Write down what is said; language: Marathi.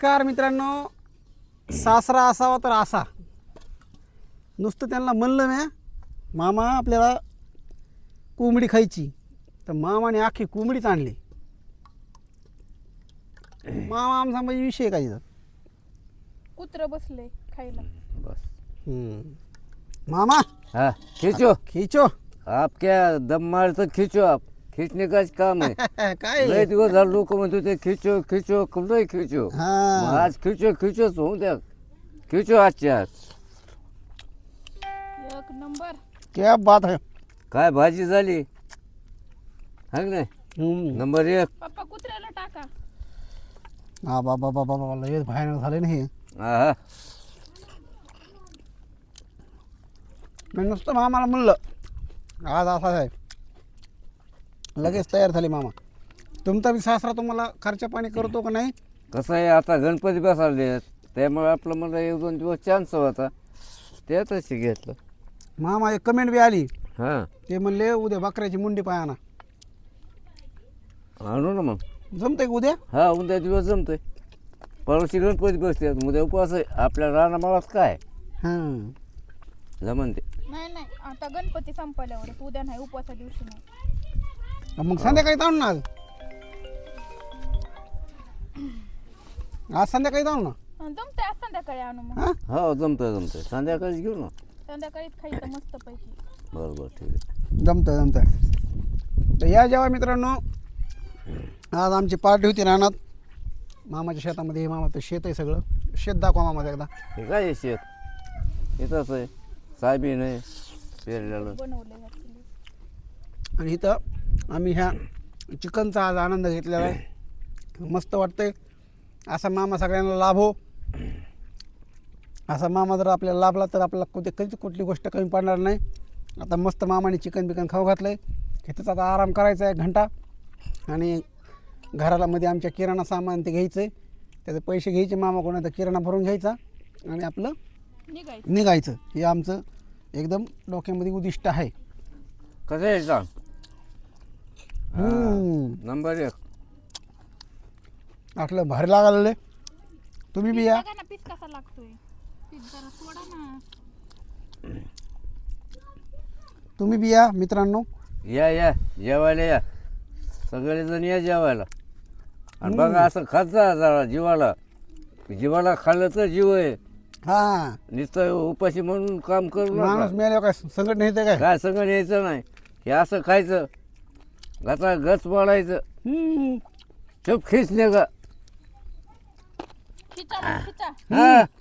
नमस्कार मित्रांनो. सासरा असावा तर असा. नुसतं त्यांना म्हणलं ना मामा आपल्याला कोंबडी खायची तर मामाने अख्खी कोंबडीच आणली. मामा आमचा म्हणजे विषय काय इथं. कुत्र बसले खायला. बस मामा हाँ खींचो खींचो. आप क्या दम मार तो खींचो आप खींचने का काम है काय लय दिवस झाले लोक म्हणत होते खींचो खींचो कुठे खींचो हा. मग आज खींचो खींचोच होऊ द्या खींचो आजच्या आज एक नंबर. क्या बात है. काय भाजी झाली हा की नाही नंबर एक पप्पा कुत्र्याला टाका. हा बाबा बाबा बाबा लय भयानक झाले ना हे. हा मी नुसतं मामाला म्हणलं आज असा आहे लगेच तयार झाले मामा. तुमचा बी सासरा तुम्हाला खर्च पाणी करतो का नाही. कसं आहे आता गणपती बसवले त्यामुळे आपलं मला एक दोन दिवस चान्स होता त्यातच घेतलं मामा एक कमेंट बी आली हां ते म्हणले उद्या बकऱ्याची मुंडी पाय आणा. आणू ना मग जमतंय का उद्या. हा उद्या दिवस जमतोय परवाची गणपती बसते उद्या उपवास आहे आपल्या रानामाळात काय हां जमन ते नाही नाही आता गणपती संपल्यावर उद्या नाही उपवासा दिवशी नाही. मग संध्याकाळी जाऊ ना. आज संध्याकाळी जाऊ ना. जमतंय आज संध्याकाळी आणू मग. हां हो जमतंय संध्याकाळीच घेऊ ना संध्याकाळीच खायचं मस्त पैकी. बरं ठीक आहे जमतं. तर या जेव्हा मित्रांनो आज आमची पार्टी होती रानात मामाच्या शेतामध्ये. हे मामाचं शेत आहे सगळं. शेत दाखवा मामा एकदा. हे काय आहे शेत येतच आहे सायबीन आहे पेरलेलं बनवले घातले. आणि इथं आम्ही ह्या चिकनचा आज आनंद घेतलेला आहे. मस्त वाटतंय. असा मामा सगळ्यांना लाभो. असा मामा जर आपल्याला लाभला तर आपल्याला कधीच कुठली गोष्ट कमी पडणार नाही. आता मस्त मामाने चिकन बिकन खाऊ घातलं आहे. इथंच आता आराम करायचा आहे घंटा. आणि घराला मध्ये आमच्या किराणा सामान ते घ्यायचं आहे. त्याचे पैसे घ्यायचे मामा कोणाचा किराणा भरून घ्यायचा आणि आपलं निघायचं. निघायचं. हे आमचं एकदम डोक्यामध्ये उद्दिष्ट आहे. कसं आहे सांग नंबर एक आपलं भारी लागायला. तुम्ही बी या. बघा ना पीस कसा लागतोय. पीस जरा सोडा ना. तुम्ही बी या मित्रांनो. या जेवायला या सगळेजण या जेवायला आणि बघा असं खात जा जरा जीवाला खाल्लं तर जीव आहे. हां नुसतं उपाशी म्हणून काम करू माणूस नका मिळाल्यावर काय संकट नाही येतं काय. काय संग यायचं नाही हे असं खायचं घाचा गच पाडायचं चुप खिचणे का खिचा मग खिचा. हा